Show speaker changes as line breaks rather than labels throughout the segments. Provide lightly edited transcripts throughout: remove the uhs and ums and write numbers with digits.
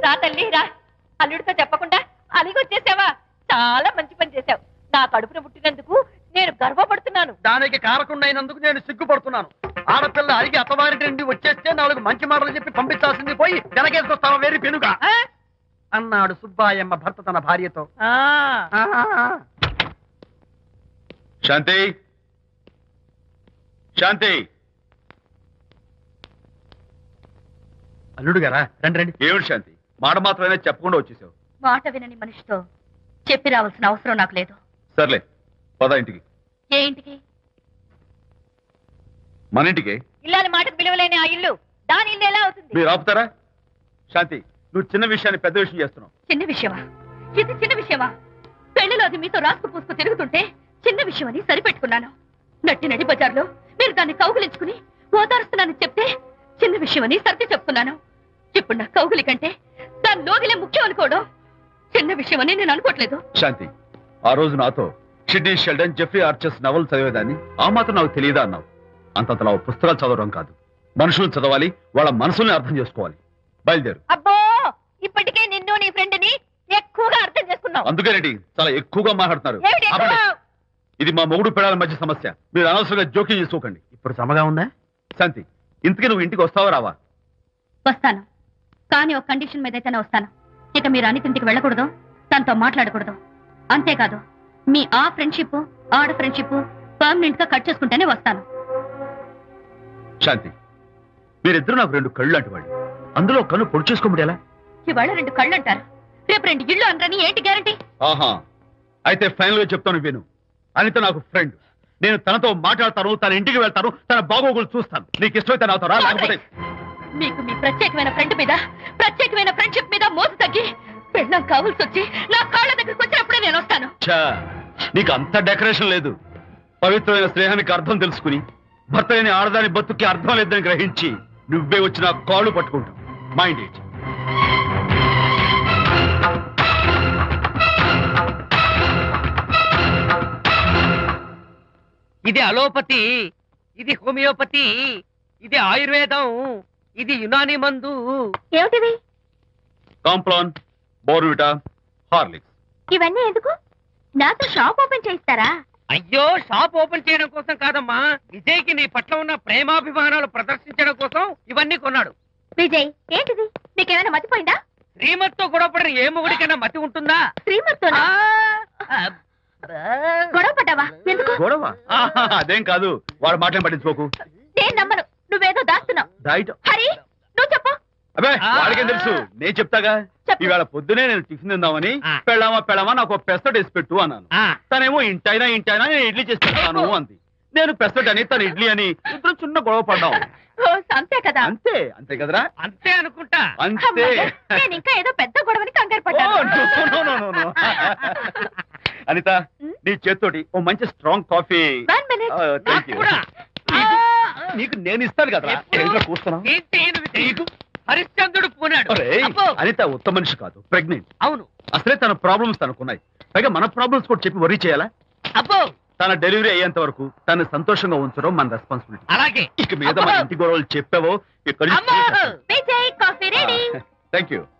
రా తల్లి రా. అల్లుడితో చెప్పకుండా అలిగి వచ్చేసావా? చాలా మంచి పని చేశావు. నా కడుపున పుట్టినందుకు నేను గర్వపడుతున్నాను.
దానికి కారకుండైనందుకు నేను సిగ్గుపడుతున్నాను. ఆడపిల్ల అడిగి అత్తవారి నుండి వచ్చేస్తే 4 మంచి మాటలు చెప్పి పంపించాల్సింది పోయి వెనకేసుకొస్తావా వేరు పెనుగా అన్నాడు సుబ్బాయమ్మ భర్త తన భార్యతో.
శాంతి, శాంతి.
అల్లుడు గారా, రండి రండి.
ఏమిటి శాంతి, మాట మాత్రమే చెప్పకుండా వచ్చేసావు?
మాట వినని మనిషితో చెప్పి రావాల్సిన అవసరం నాకు లేదు.
సర్లే, పద ఇంటికి.
ఏ ఇంటికి?
మన ఇంటికి.
ఇల్లాలి మాటకు విలువలేని ఆ ఇల్లు దాని ఇల్లు ఎలా అవుతుంది?
మీరు ఆపుతారా? శాంతి, నువ్వు చిన్న విషయాన్ని పెద్ద విషయం చేస్తున్నావు.
చిన్న విషయమా? ఇది చిన్న విషయమా? పెళ్లిలో అది మీతో రాసుకు పూసుకు తిరుగుతుంటే చిన్న విషయమని సరిపెట్టుకున్నాను. నడి బజార్లో మీరు దాన్ని కౌగులించుకుని ఓదారుస్తున్నానని చెప్తే చిన్న విషయమని సర్ది చెప్తున్నాను. ఇప్పుడు నా కౌగులి కంటే దాని లోగిలే ముఖ్యం అనుకోవడం చిన్న విషయమని నేను అనుకోవట్లేదు.
శాంతి, ఆ రోజు నాతో షిడ్నీ షెల్డన్, జెఫ్రీ ఆర్చర్స్ నవలు చదివేదాన్ని ఆ మాత్రం నాకు తెలియదా అన్నావు. అంతంతలా పుస్తకాలు చదవడం కాదు, మనుషులు చదవాలి, వాళ్ళ మనసుల్ని అర్థం చేసుకోవాలి. బయలుదేరు.
అబ్బో, ఇప్పటికే నిన్ను నీ ఫ్రెండ్ ని ఎక్కువగా అర్థం చేసుకున్నావు.
అందుకేనండి చాలా ఎక్కువగా మాట్లాడుతున్నారు.
ఏమిటి ఎక్కువ?
ఆపండి. ఇది మా మొగుడు పిల్లల మధ్య సమస్య, మీరు అనవసరంగా జోక్యం చేసుకోకండి.
ఇప్పుడు సమగా ఉందా?
శాంతి, ఇంతకీ నువ్వు ఇంటికి వస్తావా రావా?
వస్తాను, కానీ ఒక కండిషన్ మీద అయితేనే వస్తాను. ఇక మీరు అనితింటికి వెళ్ళకూడదు, తనతో మాట్లాడకూడదు. అంతేకాదు, మీ ఆ ఫ్రెండ్షిప్ ఆడ ఫ్రెండ్షిప్ పర్మనెంట్ గా కట్ చేసుకుంటేనే వస్తాను.
శాంతి, మీరిద్దరు నాకు 2 కళ్ళు లాంటి వాళ్ళు. అందులో కన్ను పొడి చేసుకోమడి ఎలా?
ఇవాళ 2 కళ్ళు అంటారు, రేపు 2 ఇళ్ళు అంటారని ఏంటి గ్యారంటీ?
ఆహా, అయితే ఫైనల్ గా చెప్తాను విను. అనిత నాకు ఫ్రెండ్. నేను తనతో మాట్లాడతాను, తన ఇంటికి వెళ్తాను, తన బాగోగులు చూస్తాను. నీకు ఇష్టమైతే నాతో రా, లేకపోతే
మీకు మీ ప్రత్యేకమైన ఫ్రెండ్ మీద, ప్రత్యేకమైన ఫ్రెండ్షిప్ మీద మోసు తగ్గి పెళ్ళం కావాల్సి వచ్చి నా కాళ్ళ దగ్గరికి వచ్చినప్పుడే నేను వస్తాను.
నీకు అంత డెకరేషన్ లేదు. పవిత్రమైన స్నేహానికి అర్థం తెలుసుకుని భర్త లేని ఆడదాని బతుక్కి అర్థం లేదని గ్రహించి నువ్వే వచ్చి నా కాళ్ళు పట్టుకుంటావు. Mind it.
ఇది అలోపతి, ఇది హోమియోపతి, ఇది ఆయుర్వేదం, ఇది యునాని మందు.
ఏమిటివి?
Complan, Bournvita, Horlicks.
ఇవన్నీ ఎందుకు? నాతో షాప్ ఓపెన్ చేయిస్తారా?
అయ్యో, షాప్ ఓపెన్ చేయడం కోసం కాదమ్మా, విజయ్కి నీ పట్ల ఉన్న ప్రేమాభిమానాలు ప్రదర్శించడం కోసం ఇవన్నీ కొన్నాడు.
విజయ్, ఏంటిది? నీకేమైనా మతిపోయిందా?
శ్రీమతితో గొడవపడిన ఏ మొగుడికైనా మతి ఉంటుందా?
శ్రీమతితో గొడవ పడ్డావా? ఎందుకు
గొడవ? అదేం కాదు, వాడు మాటలు పట్టించుకోకు.
నేను నమ్మను, నువ్వేదో దాస్తున్నావు.
డైట్.
హరి, నువ్వు చెప్పు.
అబ్బే, వాడికేం తెలుసు, నేను చెప్తాగా. ఈవేళ పొద్దునే నేను టిఫిన్ తిందామని పెళ్ళామా నాకు పెసరట్ వేసి పెట్టు అన్నాను. తనేమో ఇంటైనా నేను ఇడ్లీ చేసి పెడతాను అంది. నేను పెసరట్ అని, తను ఇడ్లీ అని, ఇద్దరు చిన్న గొడవ పడ్డాం.
అంతే కదా?
అంతే అంతే కదరా?
అంతే అనుకుంటా.
అంతే.
నేను ఇంకా ఏదో పెద్ద గొడవని కంగారు పడ్డాను.
అనిత, నీ చేత్తోటి ఓ మంచి స్ట్రాంగ్ కాఫీ. నీకు నేను ఇస్తాను కదా. కూర్చున్నా.
హరిశ్చంద్రుడు పూనాడు.
అనిత ఉత్తమ మనిషి కాదు, ప్రెగ్నెంట్.
అవును.
అసలే తన ప్రాబ్లమ్స్ తనకున్నాయి, పైగా మన ప్రాబ్లమ్స్ కూడా చెప్పి వరీ చేయాలా?
అబ్బో,
తన డెలివరీ అయ్యేంత వరకు తను సంతోషంగా ఉంచడం మన రెస్పాన్సిబిలిటీ.
అలాగే.
ఇక మీద మన ఇంటి గొడవలు చెప్పావో ఇక్కడ. Thank you.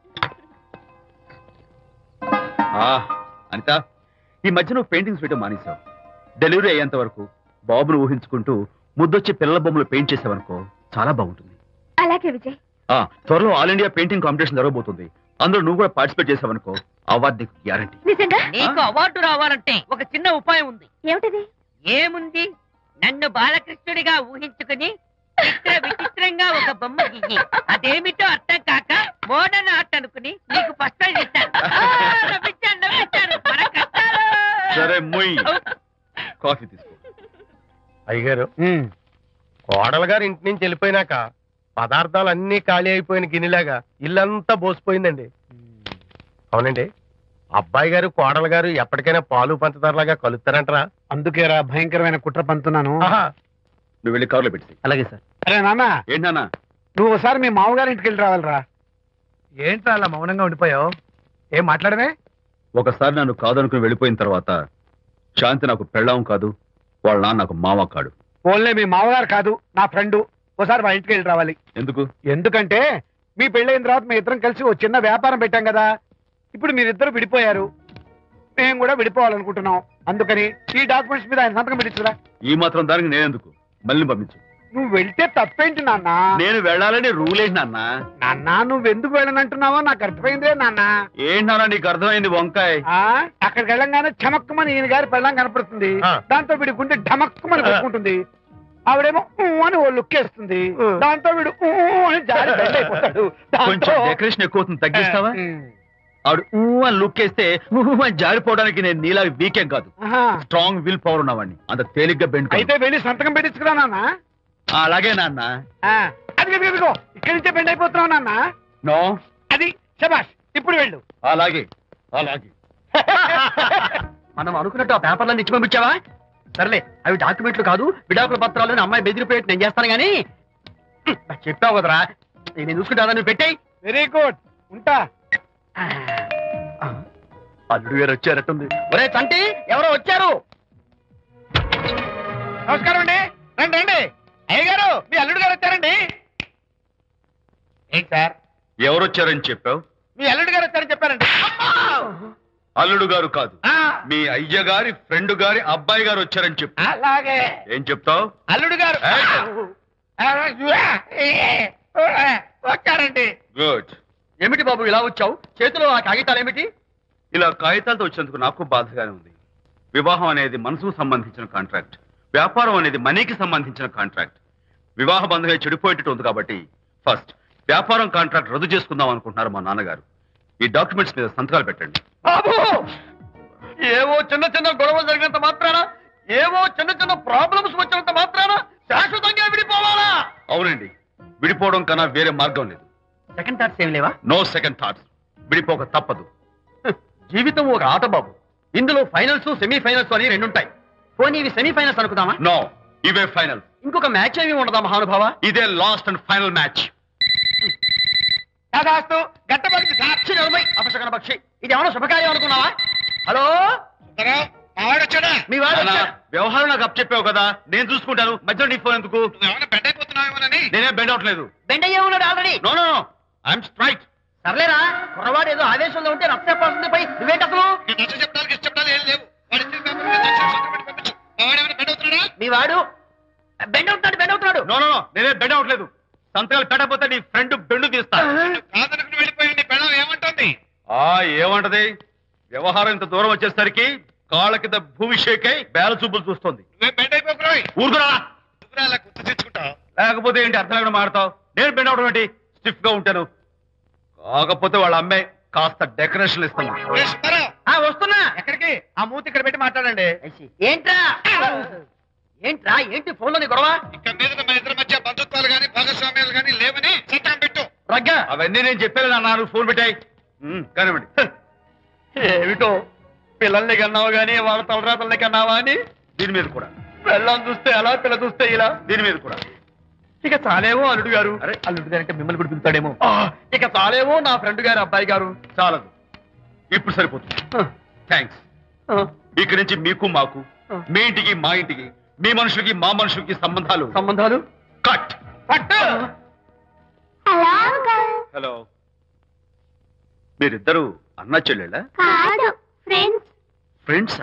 అనిత, ఈ మధ్య నువ్వు పెయింటింగ్స్ వేయడం మానేశావు. డెలివరీ అయ్యేంత వరకు బాబును ఊహించుకుంటూ ముద్దొచ్చి పిల్లల బొమ్మలు పెయింట్ చేసావనుకో, చాలా బాగుంటుంది.
అలాగే విజయ్.
త్వరలో ఆల్ ఇండియా పెయింటింగ్ కాంపిటీషన్ జరగబోతుంది. అందులో నువ్వు కూడా పార్టిసిపేట్ చేసావనుకో, అవార్డు నీకు గ్యారంటీ.
నిజంగా?
నీకు అవార్డు రావాలంటే ఒక చిన్న ఉపాయం ఉంది.
ఏమిటిది?
ఏముంది, నన్ను బాలకృష్ణుడిగా ఊహించుకుని విచిత్రంగా ఒక బొమ్మ గీయి. అదేమిటో అర్థం కాక మోడర్న్ ఆర్ట్ అనుకుని నీకు ఫస్ట్ ప్రైజ్ ఇస్తాను.
సరే, మొయ్ కాఫీ తీసుకో.
అయ్యగారు, కోడలు గారు ఇంటి నుంచి వెళ్ళిపోయినాక పదార్థాలు అన్ని ఖాళీ అయిపోయిన గిన్నెలాగా ఇల్లంతా బోసిపోయిందండి. అవునండి, అబ్బాయి గారు కోడలు గారు ఎప్పటికైనా పాలు పంచదారలాగా కలుస్తారంటరా?
అందుకేరా భయంకరమైన కుట్ర పంతున్నాను.
నువ్వు వెళ్ళి కారులో పెట్టి.
అలాగే సార్. అరే నాన్న,
ఏంటన్నా?
నువ్వు ఒకసారి మీ మామగారి ఇంటికి వెళ్ళి రావాలరా.
ఏంట్రా అలా మౌనంగా ఉండిపోయావు? ఏం మాట్లాడమే?
ఒకసారి నన్ను కాదనుకుని వెళ్ళిపోయిన తర్వాత శాంతి నాకు పెళ్ళాం కాదు, వాళ్ళ నాన్న నాకు మామ కాడు.
ఓన్లే మీ మామగారు కాదు, నా ఫ్రెండ్. ఒకసారి మా ఇంటికి వెళ్ళి రావాలి.
ఎందుకు?
ఎందుకంటే మీ పెళ్ళైన తర్వాత మీ ఇద్దరం కలిసి ఓ చిన్న వ్యాపారం పెట్టాం కదా. ఇప్పుడు మీరిద్దరు విడిపోయారు, మేము కూడా విడిపోవాలనుకుంటున్నాం. అందుకని ఈ డాక్యుమెంట్స్ మీద ఆయన సంతకం పెట్టించురా.
ఈ మాత్రం దానికి నేనెందుకు, మళ్ళీ పంపించు.
నువ్వు వెళ్తే తప్పేంటి నాన్న?
నేను వెళ్ళాలని రూల్ ఏంటి నాన్న?
నాన్న నువ్వెందుకు వెళ్ళనంటున్నావో నాకు అర్థమైందే నాన్న.
ఏంటి నాన్న నీకు అర్థమైంది వంకాయ?
అక్కడికి వెళ్ళంగానే చమక్కుమని ఈయన గారి పెళ్ళం కనపడుతుంది. దాంతో వీడి గుండె ఢమక్కుమని కొట్టుకుంటుంది. ఆవిడేమో అని ఓ లుక్ వేస్తుంది. దాంతో వీడు అని జారి బెండ్ అయిపోతాడు.
కొంచెం డెకరేషన్ ఎక్కువ అవుతుంది, తగ్గిస్తావా? ఆవిడ అని లుక్ వేస్తే అని జారిపోవడానికి నేను నీలా వీకెం కాదు, స్ట్రాంగ్ విల్ పవర్ ఉన్నవాడిని. అంత తేలిగ్గా బెండ్
అయితే వెళ్ళి సంతకం పెట్టించుకురా నాన్న.
అలాగే నాన్న.
అది ఇదిగో ఇక్కడి నుంచే బెండ్ అయిపోతున్నావు నాన్న.
నో,
అది శబాష్, ఇప్పుడు వెళ్ళు.
అలాగే అలాగే.
మనం అనుకున్నట్టు ఆ పేపర్లను ఇచ్చి పంపించావా? సర్లే, అవి డాక్యుమెంట్లు కాదు, విడాకుల పత్రాలు. అమ్మాయి బెదిరిపోయేట్టు నేను చేస్తాను గానీ చెప్పావు కదరా, నేను చూసుకుంటా. నువ్వు పెట్టాయి.
వెరీ గుడ్, ఉంటా.
అల్లుడు గారు వచ్చారట్టుంది. ఒరే చంటి, ఎవరో వచ్చారు.
నమస్కారం అండి. రండి రండి. అయ్యగారు, మీ అల్లుడు గారు వచ్చారండి. ఏంటి సార్
ఎవరు వచ్చారని చెప్పావు?
మీ అల్లుడు గారు వచ్చారని చెప్పారండి.
అల్లుడు గారు కాదు, మీ అయ్య గారి ఫ్రెండ్ గారి అబ్బాయి గారు వచ్చారని చెప్పు.
అలాగే.
ఏం చెప్తావు?
అల్లుడు గారు వచ్చారండి.
గుడ్.
ఏమిటి బాబు ఇలా వచ్చావు? చేతిలో ఆ కాగితాలు ఏమిటి?
ఇలా కాగితాలతో వచ్చినందుకు నాకు బాధగానే ఉంది. వివాహం అనేది మనసుకు సంబంధించిన కాంట్రాక్ట్, వ్యాపారం అనేది మనీకి సంబంధించిన కాంట్రాక్ట్. వివాహ బంధంగా చెడిపోయేటట్టు ఉంది కాబట్టి ఫస్ట్ వ్యాపారం కాంట్రాక్ట్ రద్దు చేసుకుందాం అనుకుంటున్నారు మా నాన్నగారు. ఈ డాక్యుమెంట్స్ మీద సంతకాలు పెట్టండి.
బాబు, ఏవో చిన్న చిన్న గొడవలు జరిగినంత మాత్రాన, ఏవో చిన్న చిన్న ప్రాబ్లమ్స్ వచ్చినంత మాత్రాన శాశ్వతంగా విడిపోవాలా?
అవునండి, విడిపోవడం కన్నా వేరే మార్గం లేదు.
సెకండ్ థాట్స్ ఏమి లేవా?
No second thoughts. విడిపోక తప్పదు.
జీవితం ఒక ఆట బాబు. ఇందులో ఫైనల్స్, సెమీఫైనల్స్ అని రెండుంటాయి. పోనీ ఇవి సెమీఫైనల్స్ అనుకుందామా?
నో, ఇవే ఫైనల్.
ఇంకొక మ్యాచ్ ఏమి ఉండదా మహానుభావ?
ఇదే లాస్ట్ అండ్ ఫైనల్ మ్యాచ్.
గట్టబడి
సాక్షి నలభై అపశకన పక్షి. ఇది ఏమన్నా శుభకార్యం అనుకున్నావా? హలో, మీ వాడు
నాన్న,
వచ్చాడా?
వ్యవహారం నాకు అప్ చెప్పావు కదా, నేను చూసుకుంటాను. మధ్యలో నీ ఫోన్ ఎందుకు? నేనే బెండ్ అవట్లేదు.
బెండ్ అయ్యే ఉన్నాడు already.
No no no, I'm straight.
సర్లేరా, కుర్రవాడు ఏదో ఆవేశంలో ఉంటే రక్త చెప్పాల్సింది పోయి నువ్వేంటి అసలు? మీ వాడు బెండ్ అవుతున్నాడు.
నో నో నో, నేనే బెండ్ అవట్లేదు. సంతకాలు పెట్టకపోతే నీ ఫ్రెండ్ బెండు తీస్తా. ఏమంటది? వ్యవహారం ఇంత దూరం వచ్చేసరికి కాళ్ళ కింద భూమి షేక్ అయి బేల చూపులు చూస్తుంది. ఊరుకురా, లేకపోతే ఏంటి అర్థం లేకుండా మాడతావు? నేను బెండ్ అవడం ఏంటి? స్టిఫ్ గా ఉంటాను. కాకపోతే వాళ్ళ అమ్మాయి కాస్త డెకరేషన్ ఇస్తాను.
వస్తున్నా.
ఎక్కడికి? ఆ మూతి ఇక్కడ పెట్టి మాట్లాడండి.
ఏంట్రా ఏంటి ఫోన్ లోని గొడవ?
ఇక్కడ మీద మన ఇద్దరి మధ్య బంధుత్వాలు గాని భాగస్వామ్యాలు గాని లేవని సంతకం పెట్టు.
రగ్గా
అవన్నీ నేను చెప్పాను అన్నారు. ఫోన్ పెట్టాయి కానివ్వండి.
ఏమిటో పిల్లల్ని కన్నావు గానీ వాళ్ళ తలరాతల్ని కన్నావా అని.
దీని మీద కూడా
పిల్లల్ని చూస్తే అలా, పిల్ల చూస్తే ఇలా.
దీని మీద కూడా
ఇక చాలేమో అల్లుడు గారు.
అరే,
అల్లుడు గారు అంటే మిమ్మల్ని కూడా పిలుతాడేమో. ఇక చాలేమో నా ఫ్రెండ్ గారు అబ్బాయి గారు.
చాలదు, ఇప్పుడు సరిపోతుంది. థ్యాంక్స్. ఇక్కడి నుంచి మీకు మాకు, మీ ఇంటికి మా ఇంటికి, మీ మనుషులకి మా మనుషులకి సంబంధాలు కట్. హలో, మీరిద్దరు అన్న చెల్లెళ్ళా? ఫ్రెండ్సా?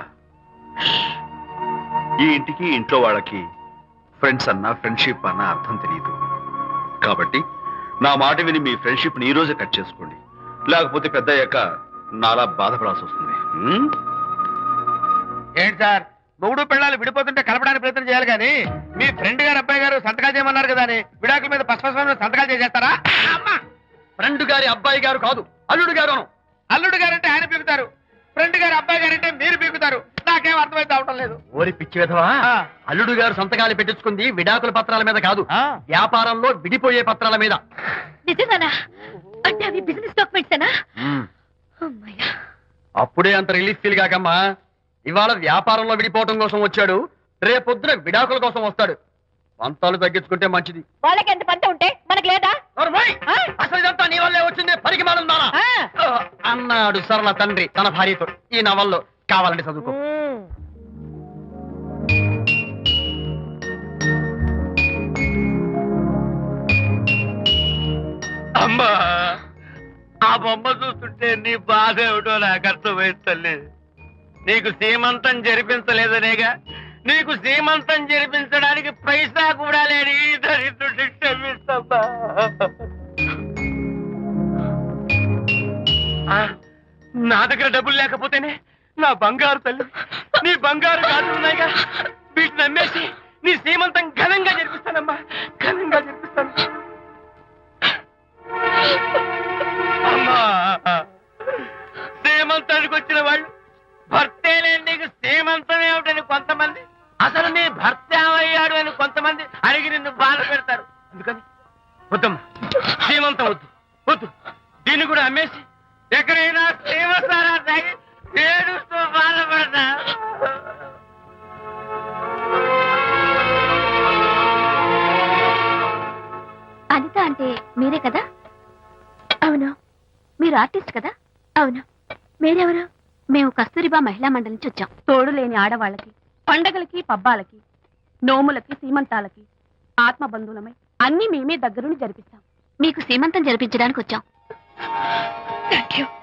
ఈ ఇంటికి ఇంట్లో వాళ్ళకి ఫ్రెండ్స్ అన్న, ఫ్రెండ్షిప్ అన్న అర్థం తెలియదు. కాబట్టి నా మాట విని మీ ఫ్రెండ్షిప్ ని ఈ రోజే కట్ చేసుకోండి, లేకపోతే పెద్ద అయ్యాక నాలా బాధపడాల్సి వస్తుంది.
ఏంటి సార్, మొగుడు పిల్లలు విడిపోతుంటే కలపడానికి ప్రయత్నం చేయాలి కానీ మీ ఫ్రెండ్ గారు అబ్బాయి గారు సంతకాలు చేయమన్నారు కదా అని విడాకుల మీద పసుపస్వామి సంతకాలు చేసేస్తారా?
ఫ్రెండ్ గారి అబ్బాయి గారు కాదు, అల్లుడు గారు.
అల్లుడు గారంటే ఆయన పీకుతారు, ఫ్రెండ్ గారు అబ్బాయి గారంటే మీరు పీకుతారు. నాకేం అర్థమైతే అవటం లేదు.
ఓరి పిచ్చి విధవా, అల్లుడు గారు సంతకాలు పెట్టించుకుంది విడాకుల పత్రాల మీద కాదు, వ్యాపారంలో విడిపోయే పత్రాల మీద.
నిజంగానా? అంటే అవి బిజినెస్ డాక్యుమెంట్స్.
అప్పుడే అంత రిలీఫ్ ఫీల్ కాకమ్మా. ఇవాళ వ్యాపారంలో విడిపోవటం కోసం వచ్చాడు, రేపొద్దున విడాకుల కోసం వస్తాడు. పంతాలు తగ్గించుకుంటే మంచిది.
వాళ్ళకి ఎంత పంట ఉంటే మనకి లేదా?
అసలు ఇదంతా నీ వల్లే వచ్చింది, పరిగమానం అన్నాడు సరళ తండ్రి తన భార్యతో. ఈ నవల్లో కావాలంటే చదువుకో.
అమ్మా ఆ బొమ్మ చూస్తుంటే నీ బాధ ఏమిటో నాకు అర్థమైంది తల్లి. నీకు సీమంతం జరిపించలేదనేగా, నీకు సీమంతం జరిపించడానికి పైసా కూడా లేని దరిద్రుడిని క్షమిస్తమ్మా. నా దగ్గర డబ్బులు లేకపోతేనే నా బంగారు తల్లి, నీ బంగారు గాజులు ఉన్నాయిగా, వీటిని అమ్మేసి నీ సీమంతం ఘనంగా జరిపిస్తానమ్మా, ఘనంగా జరిపిస్తాను. అమ్మా సీమంతానికి వచ్చిన వాళ్ళు భర్తే లేని నీకు సీమంతం ఏమిటని కొంతమంది, అసలు నీ భర్త ఏమయ్యాడు అని కొంతమంది అడిగి నిన్ను బాధ పెడతారు. అందుకని వద్దమ్మా, సీమంతం వద్దు వద్దు, దీన్ని కూడా అమ్మేసి ఎక్కడైనా సీమసారా తాగి ఏడుస్తూ బాధపడతా.
అనిత అంటే మీరే కదా? అవును. మీరు ఆర్టిస్ట్ కదా? అవును. మీరెవరు? మేము కస్తూరిబా మహిళా మండలి నుంచి వచ్చాం. తోడు లేని ఆడవాళ్ళకి, పండగలకి, పబ్బాలకి, నోములకి, సీమంతాలకి ఆత్మబంధువులమై అన్ని మేమే దగ్గరుండి జరిపిస్తాం. మీకు సీమంతం జరిపించడానికి వచ్చాం. Thank you.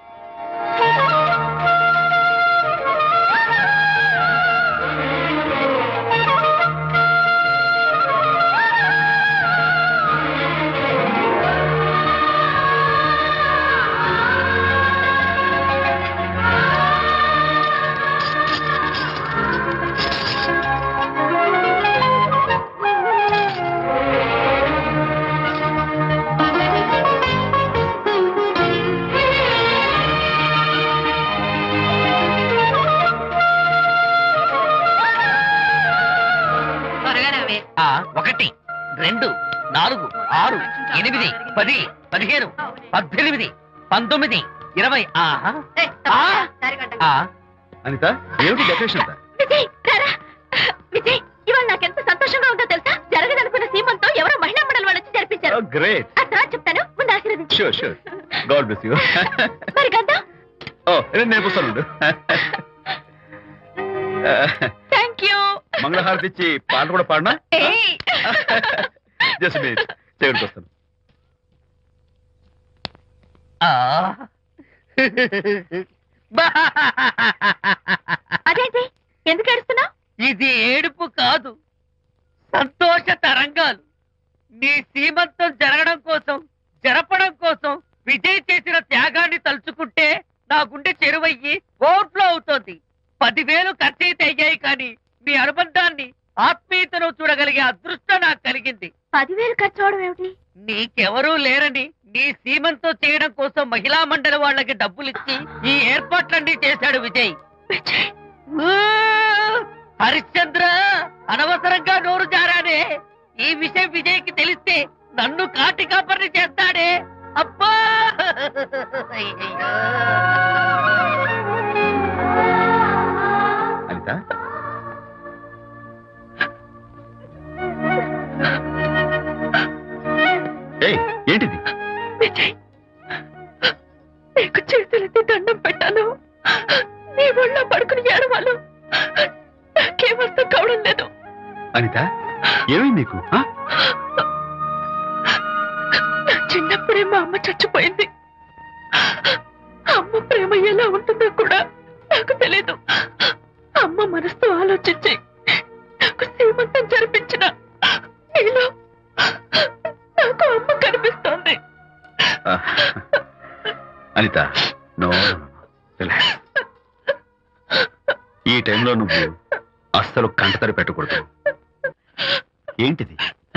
ఆ 1 2 4 6 8 10 15 18 19 20.
అనిత ఏమిటి డెకరేషన్?
విజయ్ విజయ్, ఇవాళ నాకెంత సంతోషంగా ఉందో తెలుసా? జరగదనుకున్న సీమంతో ఎవరో మహిళా మండలి వాళ్ళు వచ్చి జరిపించారు.
గ్రేట్.
ఆ తర్వాత చెప్తాను, ముందు ఆశీర్వదించు.
Sure sure. God bless you.
మరి గంధం?
నేను పుస్తాను.
Thank you.
మంగళహారతి ఇచ్చి పాట కూడా పాడనా? జస్ట్ మినిట్, చేయడానికి వస్తాను.
అదేంటి, ఎందుకు ఏడుస్తున్నావు?
ఇది ఏడుపు కాదు, సంతోష తరంగాలు. నీ సీమంతం జరగడం కోసం, జరపడం కోసం విజయ్ చేసిన త్యాగాన్ని తలుచుకుంటే నా గుండె చెరువయ్యి ఓవర్ఫ్లో అవుతోంది. 10,000 ఖర్చయితే అయ్యాయి, కానీ మీ అనుబంధాన్ని, ఆత్మీయతను చూడగలిగే అదృష్టం నాకు కలిగింది.
10,000 ఖర్చు అవడం ఏమిటి?
నీకెవరూ లేరని నీ సీమంతం చేయడం కోసం మహిళా మండలి వాళ్ళకి డబ్బులిచ్చి ఈ ఏర్పాట్లన్నీ చేశాడు విజయ్. హరిశ్చంద్ర, అనవసరంగా నోరు జారానే. ఈ విషయం విజయ్కి తెలిస్తే నన్ను కాటి కాపర్ని చేస్తాడే. అబ్బా!
అనిత, ఏంటిది?
విజయ్, నీకు చేతులెత్తి దండం పెట్టాను. నీ ఒళ్ళో పడుకుని ఏడవాళ్ళు నాకేమర్థం కావడం లేదు.
అనిత, ఏమైంది నీకు?
నా చిన్నప్పుడే మా అమ్మ చచ్చిపోయింది. అమ్మ ప్రేమ ఎలా ఉంటుందో కూడా నాకు తెలీదు. అమ్మ మనసుతో ఆలోచించి నాకు సీమంతం జరిపించిన నీలో నాకు అమ్మ కనిపిస్తోంది.
అనిత, నో, ఈ టైంలో నువ్వు అస్సలు కంటతడి పెట్టకూడదు. ఏంటిది?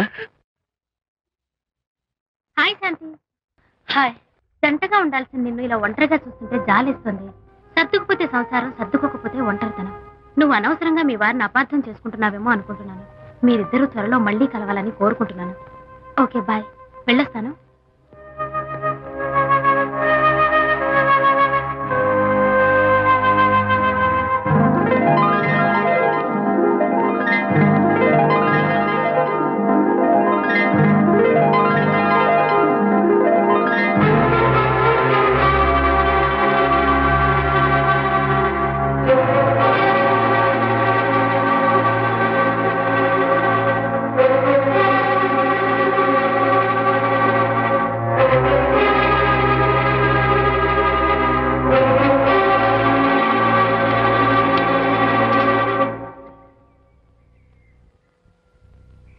హాయ్ శాంతి. హాయ్. జంటగా ఉండాల్సిన నిన్ను ఇలా ఒంటరిగా చూస్తుంటే జాలేస్తుంది. సర్దుకుపోతే సంసారం, సర్దుకోకపోతే ఒంటరితనం. నువ్వు అనవసరంగా మీ వారిని అపార్థం చేసుకుంటున్నావేమో అనుకుంటున్నాను. మీరిద్దరూ త్వరలో మళ్ళీ కలవాలని కోరుకుంటున్నాను. Okay, bye. వెళ్ళొస్తాను.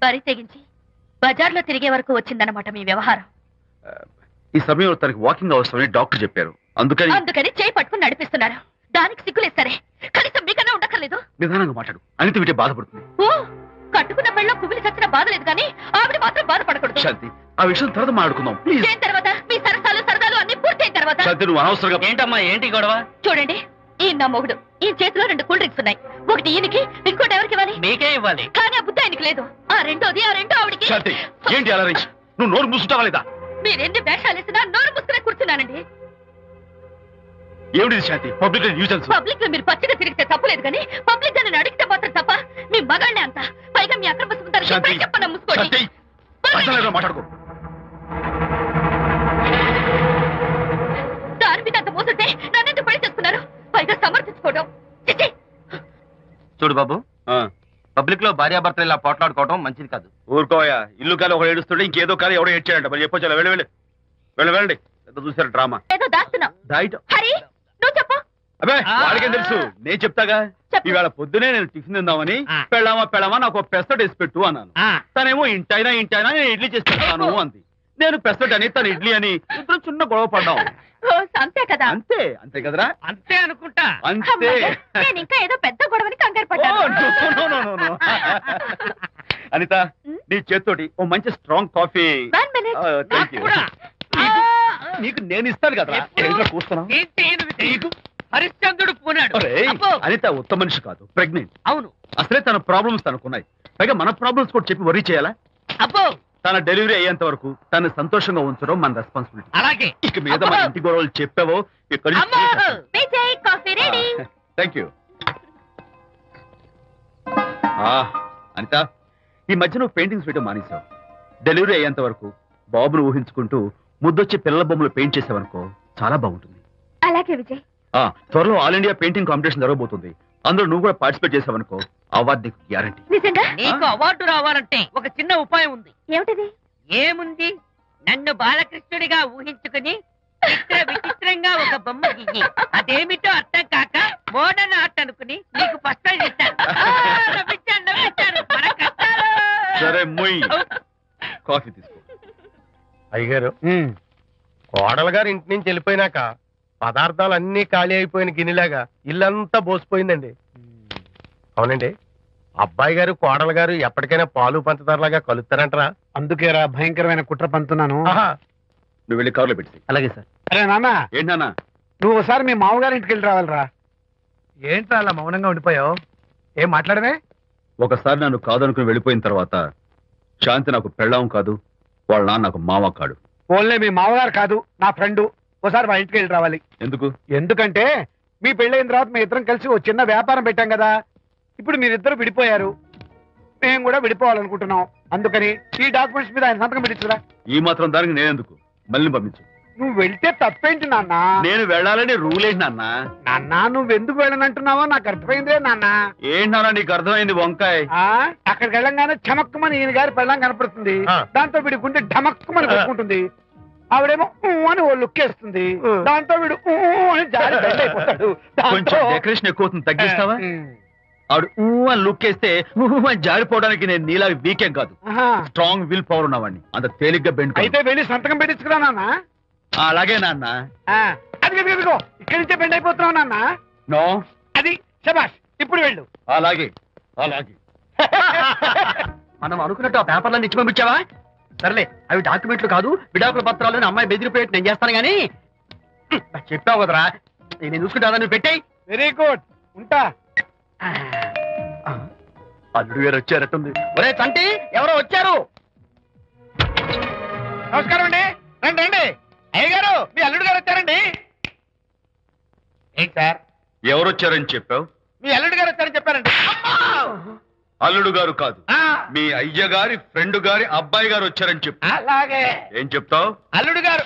బరి తెగించి బజార్లో తిరిగే వరకు వచ్చిందన్నమాట మీ వ్యవహారం.
ఈ సమయంలో తనకి వాకింగ్ అవసరమని డాక్టర్ చెప్పారు. అందుకని
చేయి పట్టుకుని నడిపిస్తున్నారు. దానికి సిగ్గులేదు సరే, కనీసం మీకన్నా ఉండక్కర్లేదు.
నిదానంగా మాట్లాడు, అనిత వింటే బాధపడుతుంది.
ఓ, కట్టుకున్న పెళ్ళలో కుమిలి చచ్చిన బాధ లేదు కానీ ఆవిడ మాత్రం బాధపడకూడదు.
శాంతి, ఆ విషయం తర్వాత మాట్లాడుకుందాం ప్లీజ్.
దేని తర్వాత? మీ సరదాలు అన్ని పూర్తయిన తర్వాత.
శాంతి, నువ్వు అనవసరంగా
ఏంటమ్మా ఏంటి గొడవ?
చూడండి, ఈయన నా మొగుడు. ఈ చేతిలో 2 కూల్ డ్రింక్స్ ఉన్నాయి. ఒకటి ఈయనకి, ఇంకోటి ఎవరికి ఇవ్వాలి?
మీకే ఇవ్వాలి.
కానీ ఆ బుద్ధి ఆయనకి లేదు. ఆ రెండో ఆవిడికి.
శాంతి, ఏంటి అలా నువ్వు నోరు మూసుకుంటావా లేదా?
మీరెన్ని వేషాలు వేసినా నోరు ముసుకునే కూర్చున్నానండి.
ఏమిటి శాంతి? Public nuisance.
పబ్లిక్ లో మీరు పచ్చిగా తిరిగితే తప్పలేదు కానీ పబ్లిక్ గా నన్ను అడిగితే మాత్రం తప్ప. మీ మగాళ్ళే అంత. పైగా మీ అక్రమ సుందరం
శాంతి,
చెప్పన్నా ముసుకోండి.
శాంతి, అసలు మాట్లాడుకో.
దాని మీద అంత మోసంటే నన్నెందుకు పడి చేసుకున్నారు? పైగా సమర్థించుకోవడం. చిచ్చి.
చూడు బాబు, పబ్లిక్ లో భార్యాభర్తలు ఇలా పోట్లాడుకోవడం మంచిది కాదు.
ఊరుకోయా, ఇల్లు కాలి ఒకడు ఏడుస్తుంటే ఇంకేదో కాలి ఎవడో ఏడ్చాడంట. మరి చెప్పొచ్చు, వెళ్ళండి. పెద్ద చూసారు డ్రామా.
ఏదో దాస్తున్నావు.
డైట్
హరి, నువ్వు చెప్పు.
అబ్బే, వాడికేం తెలుసు, నేను చెప్తాగా.
చెప్పు.
ఈవేళ పొద్దునే నేను టిఫిన్ తిందామని పెళ్ళామా నాకు ఒక పెసరట్ వేసి పెట్టు అన్నాను. తనేమో ఇంటైనా నేను ఇడ్లీ చేసి పెడతాను అంది. నేను పెసరట్ అని, తను ఇడ్లీ అని, ఇద్దరు చిన్న గొడవ పడ్డాం.
అంతే కదా?
అంతే కదరా?
అంతే అనుకుంటా.
అంతే.
అమ్మయ్య, నేను ఇంకా ఏదో పెద్ద గొడవని కంగారు
ఓ,
పడ్డాను.
no. అనిత, నీ చేత్తోటి ఓ మంచి strong coffee.
1 minute.
Thank you. నీకు నేను ఇస్తాను కదా. కూస్తున్నావు.
ఏంటి ఈయన హరిశ్చంద్రుడు పూనాడు.
ఒరేయ్,
అబ్బో.
అనిత ఉత్తమ మనిషి కాదు, ప్రెగ్నెంట్.
అవును.
అసలే తన ప్రాబ్లమ్స్ తనకున్నాయి. పైగా మన ప్రాబ్లమ్స్ కూడా చెప్పి వరీ చేయాలా?
అబ్బో,
తన డెలివరీ అయ్యేంత వరకు తను సంతోషంగా ఉంచడం మన రెస్పాన్సిబిలిటీ.
అలాగే.
ఇక మీద మన ఇంటి గొడవలు చెప్పావో ఇక్కడ.
అమ్మో.
Vijay, coffee ready.
Thank you. Anitha, ఈ మధ్య నువ్వు పెయింటింగ్స్ వేయడం మానేశావు. డెలివరీ అయ్యేంత వరకు బాబును ఊహించుకుంటూ ముద్దొచ్చి పిల్లల బొమ్మలు పెయింట్ చేసావనుకో, చాలా బాగుంటుంది.
అలాగే విజయ్.
త్వరలో ఆల్ ఇండియా పెయింటింగ్ కాంపిటీషన్ జరగబోతుంది. అందులో నువ్వు కూడా పార్టిసిపేట్ చేసావనుకో, అవార్డు నీకు గ్యారంటీ.
నిజంగా?
నీకు అవార్డు రావాలంటే ఒక చిన్న ఉపాయం ఉంది.
ఏమిటిది?
ఏముంది, నన్ను బాలకృష్ణుడిగా ఊహించుకుని విచిత్రంగా ఒక బొమ్మ గీయి. అదేమిటో అర్థం కాక మోడర్న్ ఆర్ట్ అనుకుని నీకు ఫస్ట్ ప్రైజ్ ఇస్తాను. నవ్వించాను. మన కష్టాలు.
సరే మొయ్, కాఫీ తీసుకో.
అయ్యగారు, కోడలు గారు ఇంటి నుంచి వెళ్ళిపోయినాక పదార్థాలు అన్ని ఖాళీ అయిపోయిన గిన్నెలాగా ఇల్లంతా బోసిపోయిందండి. అవునండి, అబ్బాయి గారు కోడలు గారు ఎప్పటికైనా పాలు పంచదారలాగా కలుస్తారంటరా?
అందుకేరా భయంకరమైన కుట్ర పంతున్నాను.
నువ్వు వెళ్ళి కారులో పెట్టి.
అలాగే సార్.
అరే నాన్న,
ఏంటన్నా?
నువ్వు ఒకసారి మీ మామగారి ఇంటికి వెళ్ళి రావాలిరా.
ఏంట్రా అలా మౌనంగా ఉండిపోయావు? ఏం మాట్లాడమే?
ఒకసారి నన్ను కాదనుకుని వెళ్ళిపోయిన తర్వాత శాంతి నాకు పెళ్ళాం కాదు, వాళ్ళ నాన్న నాకు మామ కాడు.
ఓన్లే మీ మామగారు కాదు, నా ఫ్రెండ్. ఒకసారి మా ఇంటికి వెళ్ళి రావాలి.
ఎందుకు?
ఎందుకంటే మీ పెళ్ళైన తర్వాత మీ ఇద్దరం కలిసి ఓ చిన్న వ్యాపారం పెట్టాం కదా. ఇప్పుడు మీరిద్దరు విడిపోయారు, మేము కూడా విడిపోవాలనుకుంటున్నాం. అందుకని ఈ డాక్యుమెంట్స్ మీద ఆయన సంతకం పెట్టించురా.
ఈ మాత్రం దానికి నేనెందుకు? మళ్ళీ పంపించు.
నువ్వు వెళ్తే తప్పేంటి నాన్న?
నేను వెళ్ళాలని రూల్ ఏంటి నాన్న?
నాన్న, నువ్వు ఎందుకు వెళ్ళనంటున్నావో నాకు అర్థమైందే నాన్న.
ఏంటన్నా నీకు అర్థమైంది వంకాయ?
అక్కడికి వెళ్ళంగానే చమక్కుమని ఈయన గారి పెళ్ళం కనపడుతుంది. దాంతో వీడి గుండె ఢమక్కుమని కొట్టుకుంటుంది. ఆవిడేమో అని ఓ లుక్ వేస్తుంది. దాంతో వీడు అని జారి బెండ్ అయిపోతాడు.
కొంచెం డెకరేషన్ ఎక్కువ అవుతుంది, తగ్గిస్తావా? ఆవిడ అని లుక్ వేస్తే అని జారిపోవడానికి నేను నీలా వీకేం కాదు, స్ట్రాంగ్ విల్ పవర్ ఉన్నవాడిని. అంత తేలిగ్గా బెండ్
అయితే వెళ్ళి సంతకం పెట్టించుకురా నాన్న.
అలాగే నాన్న.
అది ఇదిగో ఇక్కడి నుంచే బెండ్ అయిపోతున్నావు నాన్న.
నో,
అది శబాష్, ఇప్పుడు వెళ్ళు.
అలాగే. మనం అనుకున్నట్టు ఆ పేపర్లను ఇచ్చి పంపించావా? సర్లే, అవి డాక్యుమెంట్లు కాదు, విడాకుల పత్రాలు. అమ్మాయి బెదిరిపోయేట్టు నేను చేస్తాను గానీ చెప్పావు కదరా, నేను చూసుకుంటా. నువ్వు పెట్టాయి.
వెరీ గుడ్, ఉంటా.
అల్లుడు గారు వచ్చారట్టుంది. ఒరే చంటి, ఎవరో వచ్చారు.
నమస్కారం అండి. రండి రండి. అయ్య గారు, మీ అల్లుడు గారు వచ్చారండి. ఏంటి సార్?
ఎవరు వచ్చారని చెప్పావు?
మీ అల్లుడు గారు వచ్చారని చెప్పారండి.
అల్లుడు గారు కాదు, మీ అయ్య గారి ఫ్రెండ్ గారి అబ్బాయి గారు వచ్చారని చెప్పు.
అలాగే.
ఏం చెప్తావు?
అల్లుడు గారు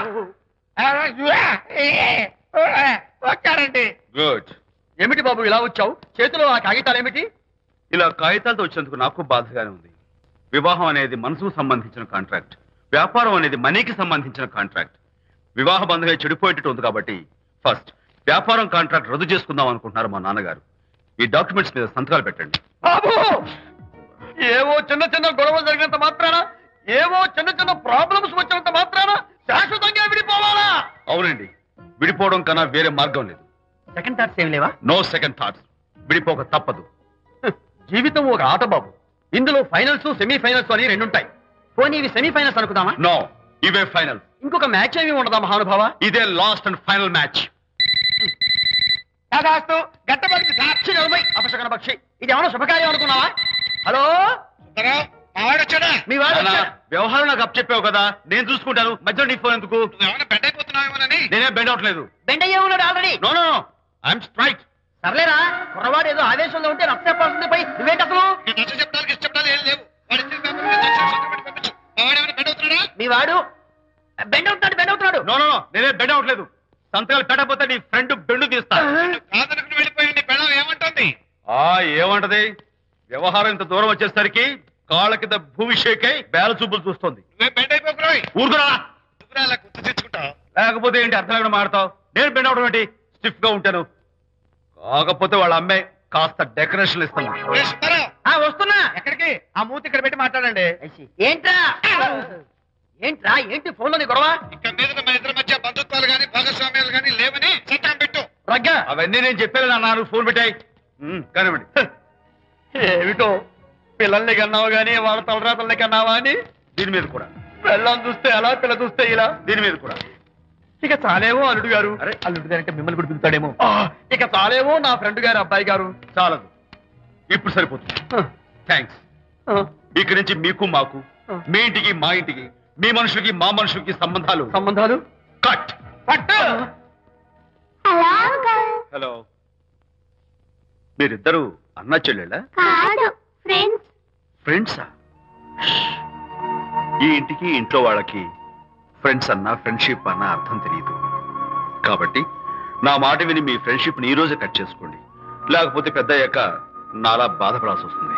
వచ్చారండి.
గుడ్. ఏమిటి బాబు ఇలా వచ్చావు? చేతిలో ఆ కాగితాలు ఏమిటి? ఇలా కాగితాలతో వచ్చినందుకు నాకు బాధగానే ఉంది. వివాహం అనేది మనసుకు సంబంధించిన కాంట్రాక్ట్, వ్యాపారం అనేది మనీకి సంబంధించిన కాంట్రాక్ట్. వివాహ బంధంగా చెడిపోయేటట్టు ఉంది కాబట్టి ఫస్ట్ వ్యాపారం కాంట్రాక్ట్ రద్దు చేసుకుందాం అనుకుంటున్నారు మా నాన్నగారు. ఈ డాక్యుమెంట్స్ మీద సంతకాలు పెట్టండి.
బాబు,
ఏవో చిన్న చిన్న గొడవలు జరిగినంత మాత్రాన, ఏవో చిన్న చిన్న ప్రాబ్లమ్స్ వచ్చినంత మాత్రాన శాశ్వతంగా విడిపోవాలా?
అవునండి, విడిపోవడం కన్నా వేరే మార్గం లేదు.
సెకండ్ థాట్స్ ఏం లేవా?
No second thoughts. విడిపోక తప్పదు.
జీవితం ఒక ఆట బాబు. ఇందులో ఫైనల్స్, సెమీఫైనల్స్ అని రెండుంటాయి. పోనీ ఇవి సెమీఫైనల్స్ అనుకుందామా?
నో, ఇవే ఫైనల్.
ఇంకొక మ్యాచ్ ఏమి ఉండదా మహానుభావ?
ఇదే లాస్ట్ అండ్ ఫైనల్ మ్యాచ్.
కాదాస్తు గట్టబడింది సార్.
అపశకన పక్షి, ఇది ఏమైనా శుభకార్యం అనుకున్నావా? హలో,
వచ్చాడా?
మీ వాడు
అన్నా,
వచ్చాడా?
వ్యవహారం నాకు అప్ చెప్పావు కదా, నేను చూసుకుంటాను. మధ్యలో నీ ఫోన్ ఎందుకు?
ఏమైనా బెడ్ అయిపోతున్నావేమోనని.
నేనే బెండ్ అవట్లేదు.
బెండ్ అయ్యే ఉన్నాడు already.
No no, I'm straight.
సర్లేరా, కుర్రవాడు ఏదో ఆవేశంలో ఉంటే రక్త చెప్పాల్సింది పోయి నువ్వేంటి అసలు?
నీ నచ్చ చెప్పడానికి ఇష్టపడాలి ఏం లేవు. వాడి ఇచ్చిన పేపర్ మీద దర్శనం పెట్టి పంపించు. మా వాడు ఏమైనా బెడ్ అవుతున్నాడా?
మీ వాడు బెండ్ అవుతున్నాడు.
నో నో నో, నేనే బెండ్ అవట్లేదు. సంతకాలు పెట్టకపోతే నీ ఫ్రెండ్ బెండు తీస్తా.
కాదనుకుని వెళ్ళిపోయి నీ పెళ్ళం ఏమంటుంది?
ఏమంటది? వ్యవహారం ఇంత దూరం వచ్చేసరికి కాళ్ళ కింద భూమి షేక్ అయి బేల చూపులు చూస్తుంది.
నువ్వే బెడ్ అయిపోకురాయి.
ఊరుకురా.
నువ్వురా అలా గుర్తు తెచ్చుకుంటావు.
లేకపోతే ఏంటి అర్థం లేకుండా మాడతావు? నేను బెండ్ అవడం ఏంటి? స్టిఫ్ గా ఉంటాను. కాకపోతే వాళ్ళ అమ్మాయి కాస్త డెకరేషన్ ఇస్తాను.
ఏ సుబ్బారావు,
వస్తున్నా.
ఎక్కడికి? ఆ మూతి ఇక్కడ పెట్టి మాట్లాడండి.
ఏంట్రా ఏంటి ఫోన్ లోని గొడవ?
ఇక్కడ మీద మన ఇద్దరి మధ్య బంధుత్వాలు గాని భాగస్వామ్యాలు గాని లేవని చట్టం పెట్టు.
రగ్గా
అవన్నీ నేను చెప్పాను అన్నారు. ఫోన్ పెట్టాయి కానివ్వండి.
ఏమిటో పిల్లల్ని కన్నావు గానీ వాళ్ళ తలరాతల్ని కన్నావా అని.
దీని మీద కూడా,
పిల్లల్ని చూస్తే అలా, పిల్ల చూస్తే ఇలా.
దీని మీద కూడా.
ఇక చాలేమో అల్లుడు గారు.
అరే,
అల్లుడు గారు అంటే మిమ్మల్ని కూడా పిలుతాడేమో. ఇక చాలేమో నా ఫ్రెండ్ గారు అబ్బాయి గారు.
చాలదు, ఇప్పుడు సరిపోతుంది. థ్యాంక్స్. ఇక్కడి నుంచి మీకు మాకు, మీ ఇంటికి మా ఇంటికి, మీ మనుషులకి మా మనుషులకి సంబంధాలు కట్.
పట్టు.
హలో, మీరిద్దరు అన్నా చెల్లెళ్ళా? ఫ్రెండ్సా? ఈ ఇంటికి ఇంట్లో వాళ్ళకి ఫ్రెండ్స్ అన్నా ఫ్రెండ్షిప్ అన్నా అర్థం తెలియదు. కాబట్టి నా మాట విని మీ ఫ్రెండ్షిప్ ని ఈ రోజే కట్ చేసుకోండి. లేకపోతే పెద్ద అయ్యాక నాలా బాధపడాల్సి వస్తుంది.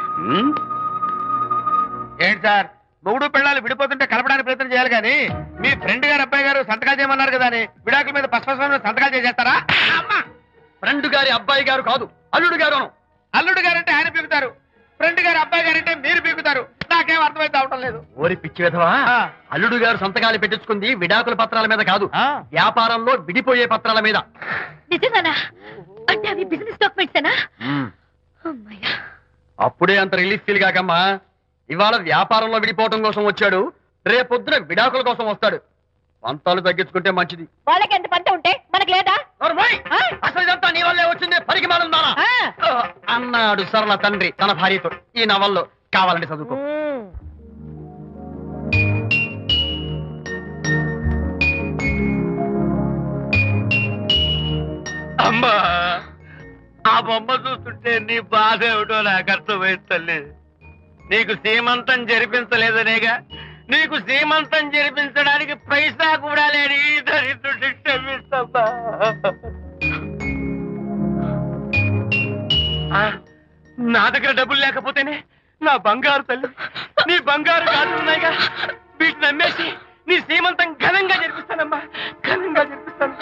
ఏంటి సార్, మొగుడు పిల్లలు విడిపోతుంటే కలపడానికి ప్రయత్నం చేయాలి కానీ మీ ఫ్రెండ్ గారు అబ్బాయి గారు సంతకాలు చేయమన్నారు కదా అని విడాకుల మీద పశ్చిమ సంతకాలు చేసేస్తారా?
ఫ్రెండ్ గారి అబ్బాయి గారు కాదు, అల్లుడు గారు.
అల్లుడు గారంటే ఆయన పీకుతారు, ఫ్రెండ్ గారు అబ్బాయి గారంటే మీరు పీకుతారు. నాకేం అర్థమైతే అవటం లేదు.
ఓరి పిచ్చి విధవా, అల్లుడు గారు సంతకాలు పెట్టించుకుంది విడాకుల పత్రాల మీద కాదు, వ్యాపారంలో విడిపోయే పత్రాల మీద.
నిజంగానా? అంటే అవి బిజినెస్ డాక్యుమెంట్సేనా? అమ్మయ్యా,
అప్పుడే అంత రిలీఫ్ ఫీల్ కాకమ్మా. ఇవాళ వ్యాపారంలో విడిపోవటం కోసం వచ్చాడు, రేపొద్దున విడాకుల కోసం వస్తాడు. పంతాలు తగ్గించుకుంటే మంచిది.
వాళ్ళకి ఎంత పంట ఉంటే మనకి లేదా?
అసలు ఇదంతా నీ వల్లే వచ్చింది, పరికి మాలుందానా అన్నాడు సరళ తండ్రి తన భార్యతో. ఈ నవల్లో కావాలంటే చదువుకో.
అమ్మా, ఆ బొమ్మ చూస్తుంటే నీ బాధ ఏమిటో నాకు అర్థమైంది తల్లి. నీకు సీమంతం జరిపించలేదనేగా, నీకు సీమంతం జరిపించడానికి పైసా కూడా లేని ఈ దరిద్రుడిని క్షమిస్తమ్మా. నా దగ్గర డబ్బులు లేకపోతేనే నా బంగారు తల్లి, నీ బంగారు గాజులు ఉన్నాయిగా, వీటిని అమ్మేసి నీ సీమంతం ఘనంగా జరిపిస్తానమ్మా, ఘనంగా జరిపిస్తాను.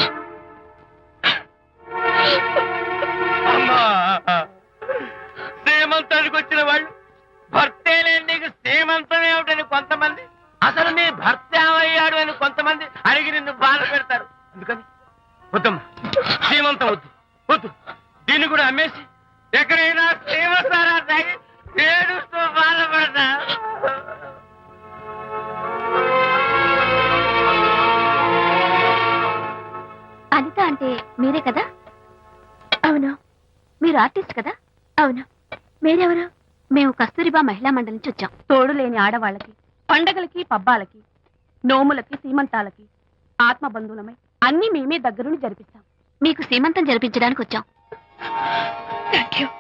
అమ్మా, సీమంతానికి వచ్చిన వాళ్ళు భర్తే లేని నీకు సీమంతం ఏమిటని కొంతమంది, అసలు నీ భర్త ఏమయ్యాడు అని కొంతమంది అడిగి నిన్ను బాధ పెడతారు. అందుకని వద్దమ్మా, సీమంతం వద్దు వద్దు. దీన్ని కూడా అమ్మేసి ఎక్కడైనా సీమసారా తాగి ఏడుస్తూ బాధపడతా.
అనిత అంటే మీరే కదా? అవును. మీరు ఆర్టిస్ట్ కదా? అవును. మీరెవరు? మేము కస్తూరిబా మహిళా మండలి నుంచి వచ్చాం. తోడు లేని ఆడవాళ్ళకి, పండగలకి, పబ్బాలకి, నోములకి, సీమంతాలకి ఆత్మ బంధువులమై అన్ని మేమే దగ్గరుండి జరిపిస్తాం. మీకు సీమంతం జరిపించడానికి వచ్చాం. Thank you.